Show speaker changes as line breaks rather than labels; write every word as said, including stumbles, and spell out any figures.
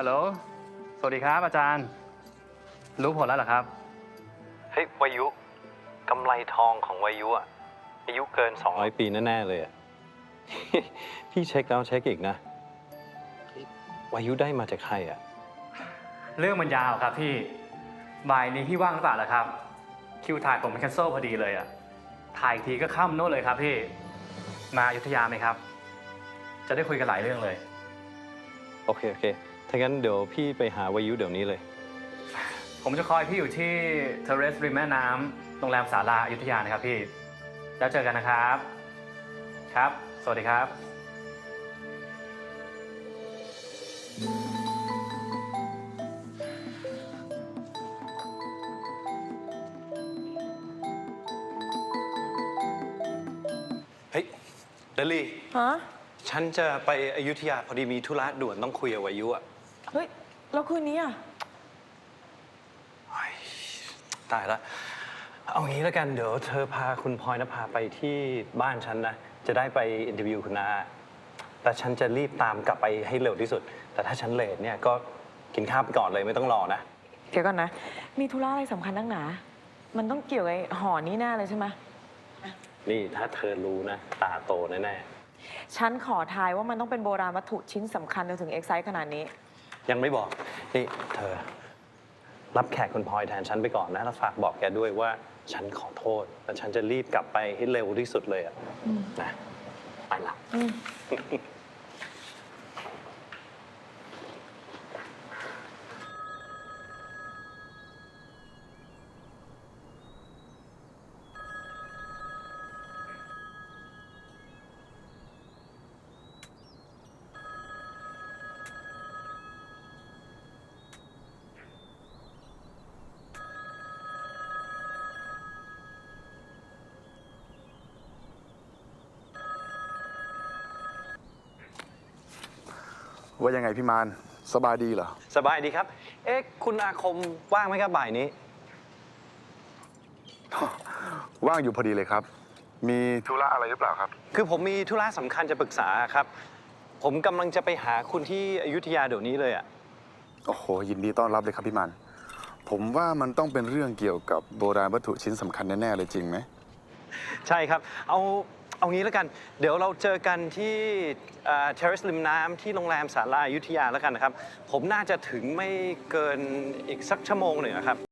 ฮัลโหล สวัสดีครับอาจารย์ รู้ผลแล้วเหรอครับ
เฮ้ยวายุกำไรทองของวายุอะอายุเกินสองร้อยปีแน่ๆเลยอะ พี่เช็คแล้วเช็คอีกนะวายุได้มาจากใครอะ
เรื่องมันยาวครับพี่บ่ายนี้พี่ว่างหรือเปล่าล่ะครับ คิวถ่ายผมเป็นแคนเซิลพอดีเลยอะถ่ายอีกทีก็ค่ำโน่นเลยครับพี่ มาอยุธยาไหมครับ จะได้คุยกันหลายเรื่องเลย
โอเคโอเคถ้างั้นเดี๋ยวพี่ไปหาวายุเดี๋ยวนี้เลย
ผมจะคอยพี่อยู่ที่เทเรสริมแม่น้ำโรงแรมศาลาอยุธยานะครับพี่ แล้วเจอกันนะครับ ครับ สวัสดีครับ
เฮ้ยเดลี่
ฮะ
ฉันจะไปอยุธยาพอดีมีธุระด่วนต้องคุยกับวายุอะ
เฮ้ย แล้วคืนนี้อ่ะ
เฮ้ยตายละเอางี้แล้วกันเดี๋ยวเธอพาคุณพลอยนภาไปที่บ้านฉันนะจะได้ไปอินเทอร์วิวคุณนาแต่ฉันจะรีบตามกลับไปให้เร็วที่สุด แต่ถ้าฉันเลทเนี่ยก็กินข้าวไปก่อนเลยไม่ต้องรอนะ
เดี๋ยวก่อนนะ มีธุระอะไรสำคัญนักหนา มันต้องเกี่ยวกับไอ้ห่อนี้แน่เลยใช่ไหม
นี่ถ้าเธอรู้นะตาโตแน่
ฉันขอทายว่ามันต้องเป็นโบราณวัตถุชิ้นสำคัญจนถึงเอ็กไซต์ขนาดนี้
ๆยังไม่บอกนี่เธอ รับแขกคุณพลอยแทนฉันไปก่อนนะแล้วฝากบอกแกด้วยว่าฉันขอโทษและฉันจะรีบกลับไปให้เร็วที่สุดเลยอะนะไปละ
ว่ายังไงพี่มานสบายดีเหรอ
สบายดีครับ เอ๊ะคุณอาคมว่างไหมครับบ่ายนี้
ว่างอยู่พอดีเลยครับ มีธุระอะไรหรือเปล่าครับ
คือผมมีธุระสำคัญจะปรึกษาครับ ผมกำลังจะไปหาคุณที่อยุธยาเดี๋ยวนี้เลยอะ
โอ้โห ยินดีต้อนรับเลยครับพี่มานผมว่ามันต้องเป็นเรื่องเกี่ยวกับโบราณวัตถุชิ้นสำคัญแน่ๆเลยจริงไหม
ใช่ครับ เอาเอางี้แล้วกัน เดี๋ยวเราเจอกันที่เทเรสริมน้ำที่โรงแรมศาลาอยุธยาแล้วกันนะครับ ผมน่าจะถึงไม่เกินอีกสักชั่วโมงหนึ่งอะครับ